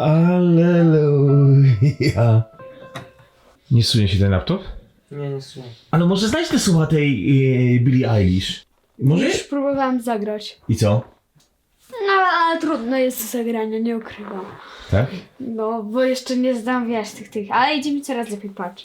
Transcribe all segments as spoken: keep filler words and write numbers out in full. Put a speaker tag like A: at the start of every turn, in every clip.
A: Alleluja. Nie sunie się ten laptop?
B: Nie, nie słuchaj.
A: Ale może znajdź te słowa tej yy, Billie Eilish? Może?
C: Już próbowałam zagrać.
A: I co?
C: No, ale trudno jest do zagrania, nie ukrywam.
A: Tak?
C: No, bo jeszcze nie znam, wiesz, tych, tych. Ale idzie mi coraz lepiej, patrz.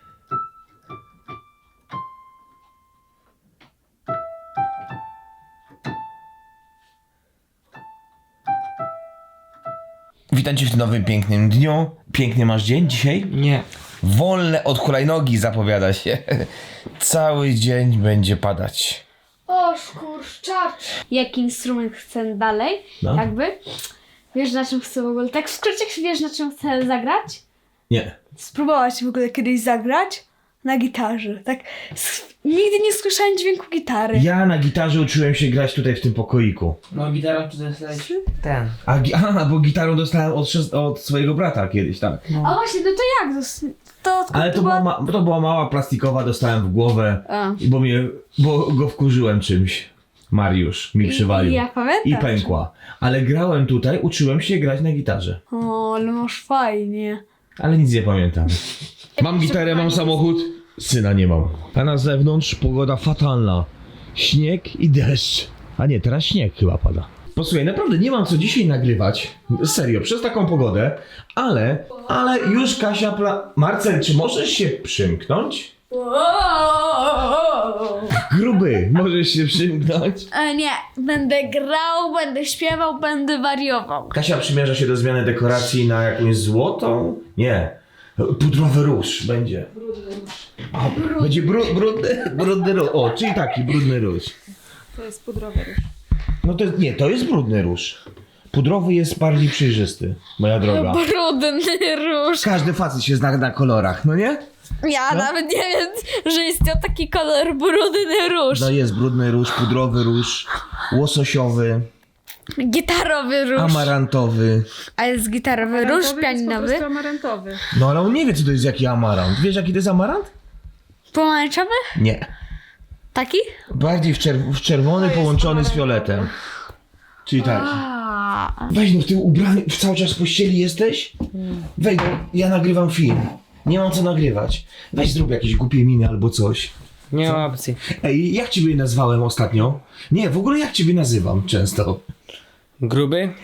A: Witam cię w tym nowym pięknym dniu. Piękny masz dzień dzisiaj?
B: Nie.
A: Wolne od hulajnogi zapowiada się. Cały dzień będzie padać.
C: O, szkurczacz! Jaki instrument chcę dalej?
A: No.
C: Jakby? Wiesz, na czym chcę w ogóle? Tak w skrócie, wiesz, na czym chcę zagrać?
A: Nie.
C: Spróbować w ogóle kiedyś zagrać? Na gitarze. Tak. s- Nigdy nie słyszałem dźwięku gitary.
A: Ja na gitarze uczyłem się grać tutaj w tym pokoiku.
B: No gitara to dostałeś ten.
A: A, gi- a bo gitarą dostałem od, szes- od swojego brata kiedyś, tak.
C: A właśnie, no to jak? To, to,
A: Ale to była, ma- to była mała plastikowa, dostałem w głowę,
C: A.
A: bo, mnie, bo go wkurzyłem czymś. Mariusz mi przywalił.
C: I ja pamiętam.
A: I pękła. Ale grałem tutaj, uczyłem się grać na gitarze.
C: O, ale masz fajnie.
A: Ale nic nie pamiętam. Mam gitarę, mam samochód. Syna nie mam. A na zewnątrz pogoda fatalna. Śnieg i deszcz. A nie, teraz śnieg chyba pada. Posłuchaj, naprawdę nie mam co dzisiaj nagrywać. Serio, przez taką pogodę. Ale, ale już Kasia pla... Marcel, czy możesz się przymknąć? Gruby, możesz się przymknąć?
C: E, nie, będę grał, będę śpiewał, będę wariował.
A: Kasia przymierza się do zmiany dekoracji na jakąś złotą? Nie. Pudrowy róż będzie. A, będzie bru, brudny, brudny róż. O, czyli taki brudny róż.
C: To jest pudrowy róż.
A: No to nie, to jest brudny róż. Pudrowy jest bardziej przejrzysty, moja droga.
C: Brudny róż.
A: Każdy facet się zna na kolorach, no nie?
C: Ja nawet nie wiem, że istniał taki kolor brudny róż.
A: No jest brudny róż, pudrowy róż, łososiowy,
C: Gitarowy róż.
A: amarantowy.
C: A jest gitarowy róż, pianinowy.
D: amarantowy.
A: No ale on nie wie, co to jest jaki amarant. Wiesz, jaki to jest amarant?
C: Pomarańczowy?
A: Nie.
C: Taki?
A: Bardziej w, czerw- w czerwony połączony z fioletem. Czyli tak.
C: A.
A: Weź no, w tym ubraniu, cały czas w pościeli jesteś? Weź no, ja nagrywam film. Nie mam co nagrywać. Weź zrób jakieś głupie miny albo coś.
B: Nie ma opcji.
A: Ej, jak ciebie nazwałem ostatnio? Nie, w ogóle jak ciebie nazywam często?
B: Gruby?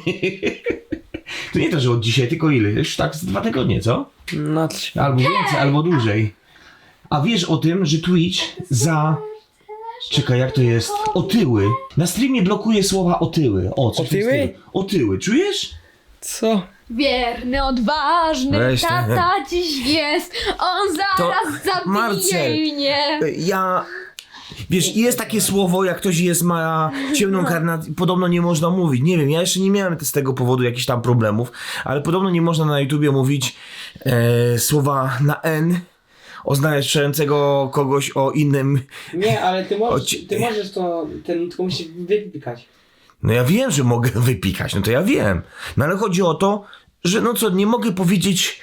A: To nie to, że od dzisiaj, tylko ile? Już tak z dwa tygodnie, co?
B: No trzy.
A: Albo więcej, albo dłużej. A wiesz o tym, że Twitch za... Czekaj, jak to jest? Otyły. Na streamie blokuje słowa otyły. O, coś w tym
B: Otyły?
A: stylu. Otyły, czujesz?
B: Co?
C: Wierny, odważny
A: Weź ten-
C: tata dziś jest. On zaraz zabije
A: Marcel.
C: mnie.
A: Ja... Wiesz, jest takie słowo, jak ktoś jest, ma ciemną karnację, podobno nie można mówić. Nie wiem, ja jeszcze nie miałem z tego powodu jakichś tam problemów, ale podobno nie można na YouTubie mówić e, słowa na N oznaczającego kogoś o innym...
B: Nie, ale ty możesz,
A: Oci-
B: ty możesz to, ten, tylko musisz wypikać.
A: No ja wiem, że mogę wypikać, no to ja wiem. No ale chodzi o to, że no co, nie mogę powiedzieć...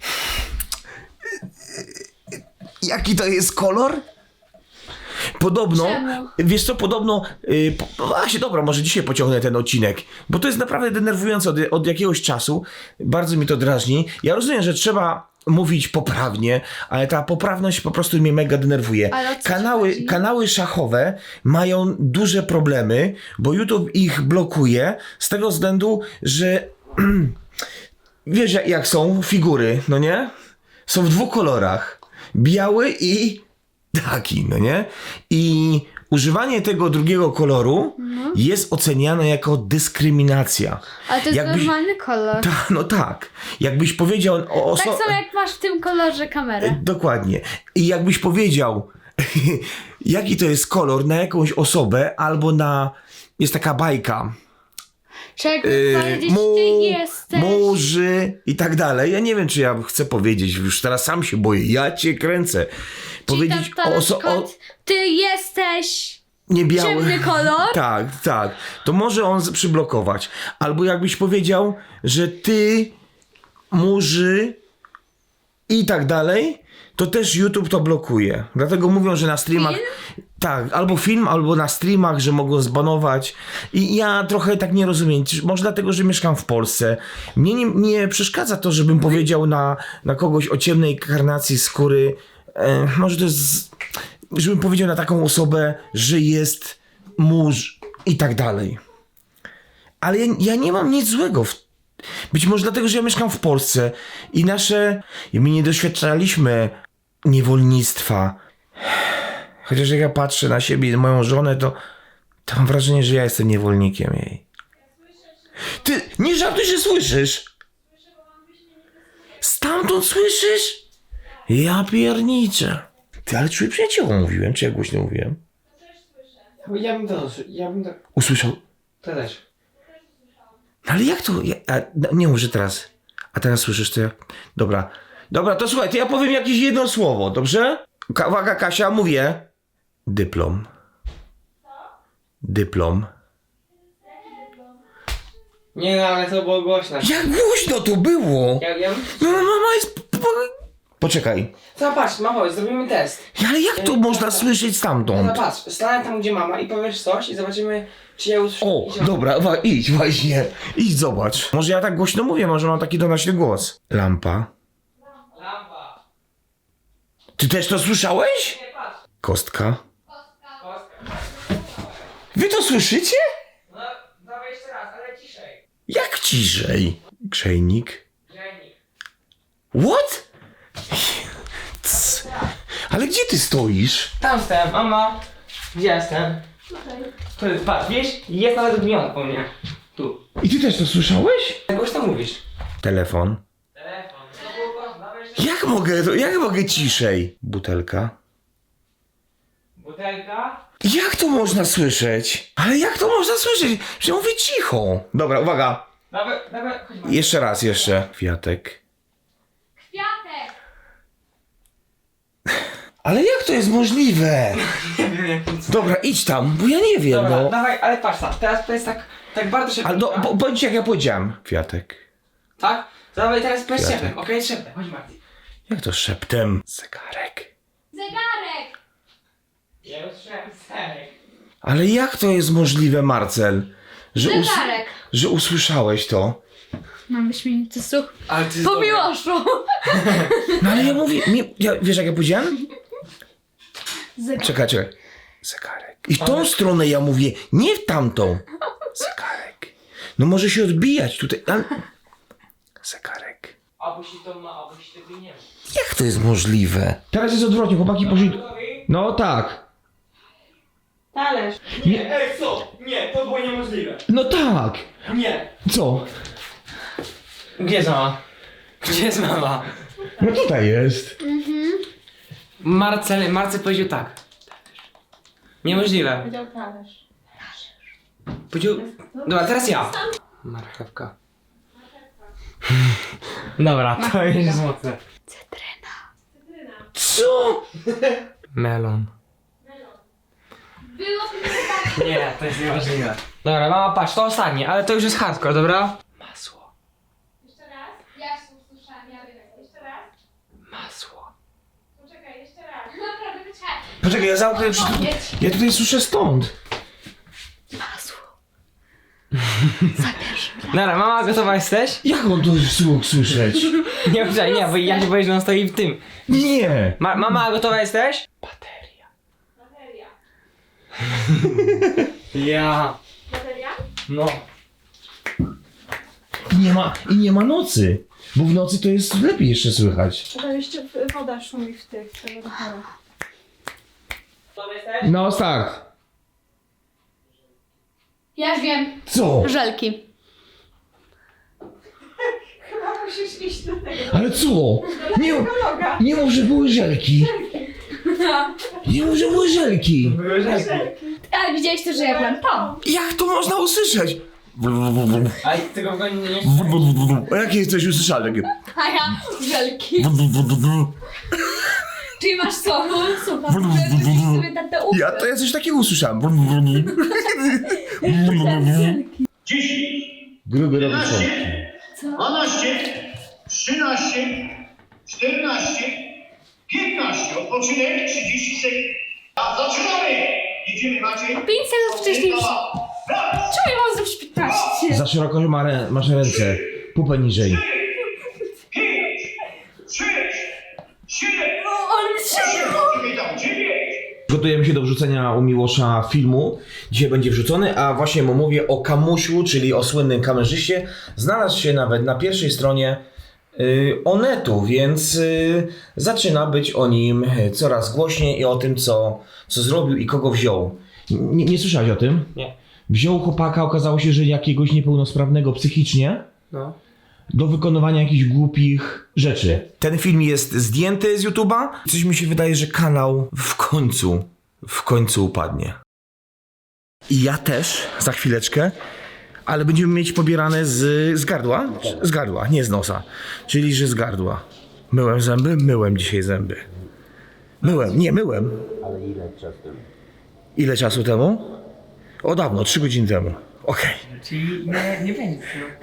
A: Jaki to jest kolor? Podobno,
C: Czemu?
A: wiesz co, podobno, yy, po, właśnie dobra, może dzisiaj pociągnę ten odcinek, bo to jest naprawdę denerwujące od, od jakiegoś czasu, bardzo mi to drażni. Ja rozumiem, że trzeba mówić poprawnie, ale ta poprawność po prostu mnie mega denerwuje.
C: Ale o co ci
A: Kanały,
C: chodzi?
A: kanały szachowe mają duże problemy, bo YouTube ich blokuje z tego względu, że wiesz jak, jak są figury, no nie? Są w dwóch kolorach. Biały i taki, no nie? I używanie tego drugiego koloru jest oceniane jako dyskryminacja.
C: Ale to jest
A: Jakbyś-
C: normalny kolor.
A: Ta, no tak. Jakbyś powiedział o oso-
C: Tak samo jak masz w tym kolorze kamerę.
A: Dokładnie. I jakbyś powiedział, jaki to jest kolor na jakąś osobę, albo na... Jest taka bajka.
C: Czego
A: Yy,
C: powiedzieć,
A: mu,
C: ty jesteś.
A: murzy i tak dalej. Ja nie wiem, czy ja chcę powiedzieć, już teraz sam się boję. Ja cię kręcę. Powiedzieć
C: Czyli to, to
A: o,
C: na
A: oso- o
C: przykład, ty jesteś
A: nie biały.
C: ciemny kolor.
A: Tak, tak. To może on z- przyblokować. Albo jakbyś powiedział, że ty murzy i tak dalej, to też YouTube to blokuje. Dlatego mówią, że na streamach... Tak, albo film, albo na streamach, że mogą zbanować. I ja trochę tak nie rozumiem. Może dlatego, że mieszkam w Polsce. Mnie nie, nie przeszkadza to, żebym powiedział na, na kogoś o ciemnej karnacji skóry. E, może to jest... Żebym powiedział na taką osobę, że jest mórz i tak dalej. Ale ja, ja nie mam nic złego w Być może dlatego, że ja mieszkam w Polsce i nasze... I my nie doświadczaliśmy niewolnictwa. Chociaż jak ja patrzę na siebie i na moją żonę, to, to mam wrażenie, że ja jestem niewolnikiem jej. Ty, nie żartuj, że słyszysz! Stamtąd słyszysz? Ja pierniczę. Ty, ale czuję przyjaciołom mówiłem, czy ja głośno mówiłem?
B: Ja bym to, ja bym to...
A: Usłyszał...
B: To też.
A: No ale jak to? Ja, a, no, nie mów, że teraz. A teraz słyszysz to ja... Dobra. Dobra, to słuchaj, to ja powiem jakieś jedno słowo, dobrze? Ka- Uwaga, Kasia, mówię. Dyplom. Dyplom.
B: Nie no, ale to było głośno.
A: Jak głośno to było!
B: Ja, ja...
A: No, mama jest... Poczekaj.
B: Zobacz, mamo, zrobimy test.
A: Ale jak to można słyszeć stamtąd?
B: Zobacz, stanę tam, gdzie mama i powiesz coś i zobaczymy, czy ja usłyszę.
A: O, dobra, wa- idź właśnie. Idź, zobacz. Może ja tak głośno mówię, może mam taki donośny głos. Lampa.
B: Lampa.
A: Ty też to słyszałeś?
B: Nie, patrz.
A: Kostka.
B: Kostka.
A: Wy to słyszycie?
B: No, dawaj jeszcze raz, ale ciszej.
A: Jak ciszej? Grzejnik.
B: Grzejnik.
A: What? Cs. Ale gdzie ty stoisz?
B: Tam jestem, mama. Gdzie jestem?
C: Tutaj.
B: Tu jest, patrz, wiesz? Jest nawet odmieniony po mnie. Tu.
A: I ty też to słyszałeś?
B: Jak głośno mówisz?
A: Telefon.
B: Telefon. To było głośno, dawaj jeszcze.
A: Jak mogę, to- jak mogę ciszej? Butelka.
B: Butelka.
A: Jak to można słyszeć? Ale jak to można słyszeć? Że ja mówię cicho. Dobra, uwaga.
B: Dawaj, dawaj, chodź mama.
A: Jeszcze raz, jeszcze. Kwiatek.
C: Kwiatek.
A: Ale jak to jest możliwe?
B: Nie wiem jak to.
A: Dobra, idź tam, bo ja nie wiem,
B: Dobra,
A: no.
B: dawaj, ale patrz tam, teraz to jest tak, tak bardzo szybko.
A: Ale no,
B: tak?
A: bo, bądź jak ja powiedziałem. Kwiatek.
B: Tak? To dawaj teraz bez
A: Kwiatek.
B: szeptem, okej? Szeptem, chodź Marty.
A: Jak to szeptem? Zegarek.
C: Zegarek.
B: Ja już słyszałem serek.
A: Ale jak to jest możliwe, Marcel? Że, us-
C: Zegarek.
A: że usłyszałeś to?
C: Mam wyśmienity słuch.
B: Ale ty
C: Po Miłoszu.
A: No ale ja mówię, mi, ja, wiesz jak ja powiedziałem?
C: Zegarek.
A: Czekaj, czekaj. Zegarek. I w tą stronę ja mówię, nie w tamtą. Zegarek. No może się odbijać tutaj. Ale... Zegarek.
B: Albo się to ma, albo się tego nie ma.
A: Jak to jest możliwe? Teraz jest odwrotnie, chłopaki poszli... No tak.
B: Talerz. Nie, ej co? Nie, to było niemożliwe.
A: No tak.
B: Nie.
A: Co?
B: Gdzie jest mama? Gdzie jest mama?
A: No tutaj jest.
B: Marcel, Marcel powiedział tak. Niemożliwe.
C: Powiedział talerz.
B: Powiedział... Dobra, teraz ja. Marchewka. Dobra, to jest mocne.
A: Co?
B: Melon.
C: Było
B: Nie, to jest niemożliwe. Dobra, mama, patrz, to ostatnie, ale to już jest hardcore, dobra? Masło.
D: Jeszcze raz? Ja się usłyszałam, ja wiem. Jeszcze raz?
B: Masło.
D: Poczekaj, jeszcze raz. Naprawdę, poczekaj.
A: Poczekaj, ja zamknę... Ja tutaj słyszę stąd.
C: masło.
B: Dobra, mama, gotowa jesteś?
A: Jak on to słuch słyszeć?
B: Nie, poczekaj, nie, bo ja się boję, że on stoi w tym.
A: Nie.
B: Ma, mama, gotowa jesteś? Bateria.
D: Bateria.
B: Ja.
D: Bateria?
B: No.
A: I nie ma, i nie ma nocy. Bo w nocy to jest lepiej jeszcze słychać.
C: To jeszcze w- woda szumi w tych telefonach.
B: Gotowa jesteś?
A: No tak.
C: Ja już wiem.
A: Co?
C: Żelki.
D: Chyba musisz iść do tego.
A: Ale co? Nie,
D: Loga.
A: nie mów, że były żelki. Nie mów, że były żelki.
B: Były rzeczy.
C: Ale widziałeś też, że ja byłem tam.
A: Jak to można usłyszeć?
B: Ale tego w ogóle nie...
A: A jakie coś usłyszałem? Takie...
C: A ja żelki. Czyli masz co? Słucham, że sobie na te uszy.
A: Ja to ja coś takiego usłyszałem.
E: dziesięć,
A: Gruby robi
E: jedenaście, dwanaście, trzynaście, czternaście, piętnaście, odpoczynek, trzydzieści sekund. A zaczynamy! Jedziemy, Maciej.
C: pięć sekund wcześniej.
E: Raz,
C: Czemu ja mam zrobić piętnaście?
A: Za szeroko ma rę- masz ręce. Pupę niżej.
E: pięć, sześć, siedem,
C: O, ale mi się...
E: poczekaj tam, dziewięć.
A: Gotujemy się do wrzucenia u Miłosza filmu. Dzisiaj będzie wrzucony, a właśnie mu mówię o Kamusiu, czyli o słynnym kamerzyście. Znalazł się nawet na pierwszej stronie y, Onetu, więc y, zaczyna być o nim coraz głośniej i o tym, co, co zrobił i kogo wziął. Nie, nie słyszałeś o tym?
B: Nie.
A: Wziął chłopaka, okazało się, że jakiegoś niepełnosprawnego psychicznie
B: No.
A: do wykonywania jakichś głupich rzeczy. Ten film jest zdjęty z YouTube'a. Coś mi się wydaje, że kanał w końcu, w końcu upadnie. I ja też, za chwileczkę, ale będziemy mieć pobierane z, z gardła? Z gardła, nie z nosa. Czyli, że z gardła. Myłem zęby? Myłem dzisiaj zęby. Myłem, nie myłem.
F: Ale ile czasu temu?
A: Ile czasu temu? O dawno, trzy godziny temu. Okej.
B: Czyli nie, nie będzie.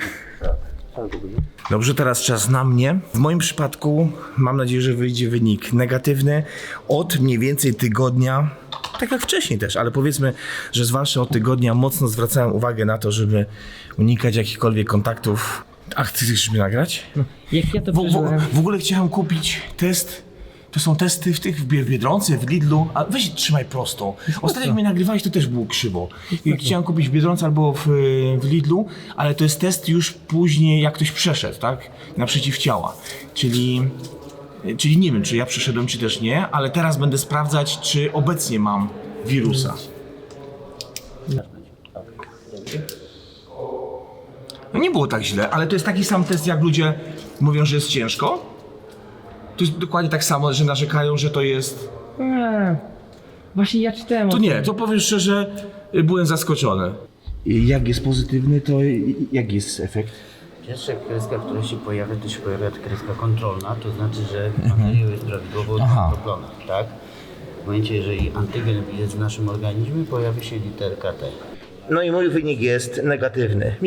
A: Dobrze, teraz czas na mnie. W moim przypadku mam nadzieję, że wyjdzie wynik negatywny od mniej więcej tygodnia, tak jak wcześniej też, ale powiedzmy, że zwłaszcza od tygodnia mocno zwracałem uwagę na to, żeby unikać jakichkolwiek kontaktów. Ach, ty chcesz mnie nagrać?
B: Jak ja to
A: W, w,
B: przeżyłem?
A: w ogóle chciałem kupić test. To są testy w tych w Bied- Biedronce, w Lidlu. A weź trzymaj prosto. Ostatnio jak mnie nagrywałeś, to też było krzywo. I chciałem kupić w Biedronce albo w, w Lidlu, ale to jest test już później, jak ktoś przeszedł, tak? Na przeciwciała. Czyli, czyli nie wiem, czy ja przeszedłem, czy też nie, ale teraz będę sprawdzać, czy obecnie mam wirusa. No nie było tak źle, ale to jest taki sam test, jak ludzie mówią, że jest ciężko. To jest dokładnie tak samo, że narzekają, że to jest...
B: Eee, właśnie ja czytałem
A: To
B: o
A: nie,
B: tym.
A: to powiem szczerze, byłem zaskoczony. Jak jest pozytywny, to jaki jest efekt?
F: Pierwsza kreska, która się pojawia, to się pojawia kreska kontrolna, to znaczy, że materiał jest prawidłowo
A: Aha.
F: odrobiony, tak? W momencie, jeżeli antygen jest w naszym organizmie, pojawi się literka T.
A: No i mój wynik jest negatywny.